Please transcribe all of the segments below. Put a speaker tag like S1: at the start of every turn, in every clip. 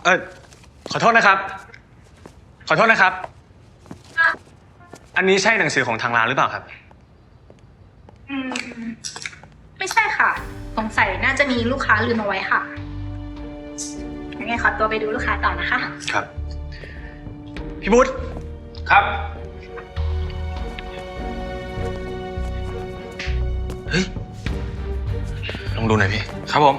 S1: เออขอโทษนะครับ ขอโทษนะครับ อันนี้ใช่หนังสือของทางร้านหรือเปล่าครับ
S2: อืมไม่ใช่ค่ะสงสัยน่าจะมีลูกค้าลืมเอาไว้ค่ะยังไงขอตัวไปดูลูกค้าต่อนะคะ
S1: ครับ พี่บุ๊ทครับ เฮ้ย ลองดูหน่อยพี่
S3: ครับผม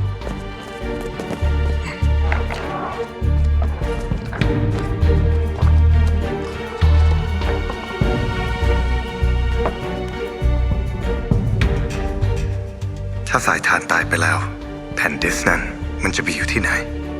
S4: ถ้าสายทานตายไปแล้ว แผ่นดิสก์นั้นมันจะไปอยู่ที่ไหน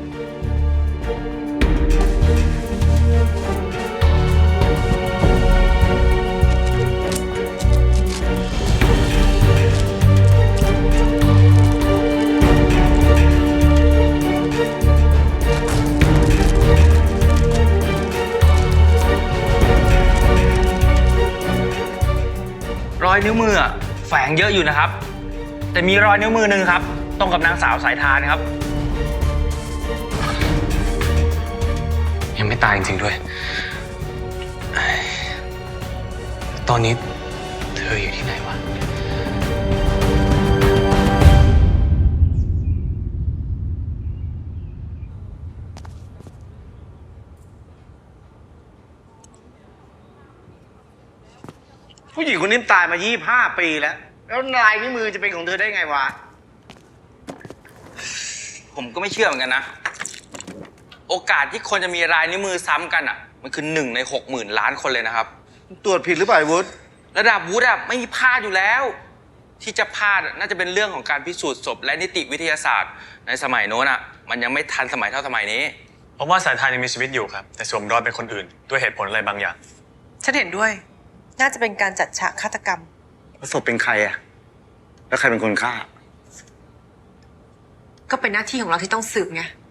S3: รอยนิ้วมืออะแฝงเยอะอยู่นะครับ แต่มีรอยนิ้วมือหนึ่งครับ ตรงกับนางสาวสายทานครับ
S1: ยังไม่ตายจริงๆด้วยเอ้ยตอนนี้เธออยู่ที่ไหนวะ
S5: ผู้หญิงคนนี้ตายมา25 ปีแล้ว แล้วลายนิ้วมือจะเป็นของเธอได้ไงวะ
S3: ผมก็ไม่เชื่อเหมือนกันนะ โอกาสที่คนจะมีรายนิ้วมือซ้ำกันอ่ะ มันคือ1 ใน 60,000 ล้านคนเลยนะครับ
S5: ตรวจผิดหรือเปล่าไอ้วุฒิ
S3: ระดับวุฒิอะไม่มีพลาดอยู่แล้ว ที่จะพลาดอะน่าจะเป็นเรื่องของการพิสูจน์ศพและนิติวิทยาศาสตร์ ในสมัยโน้นอ่ะ มันยังไม่ทันสมัยเท่าสมัยนี้
S1: เพราะว่าสายทานยังมีชีวิตอยู่ครับ แต่สวมรอยเป็นคนอื่น ด้วยเหตุผลอะไรบางอย่าง
S6: ฉันเห็นด้วย น่าจะเป็นการจัดฉากฆาตกรรม
S5: ศพเป็นใครอะแล้วใครเป็นคนฆ่า
S6: ก็เป็นหน้าที่ของเราที่ต้องสืบไง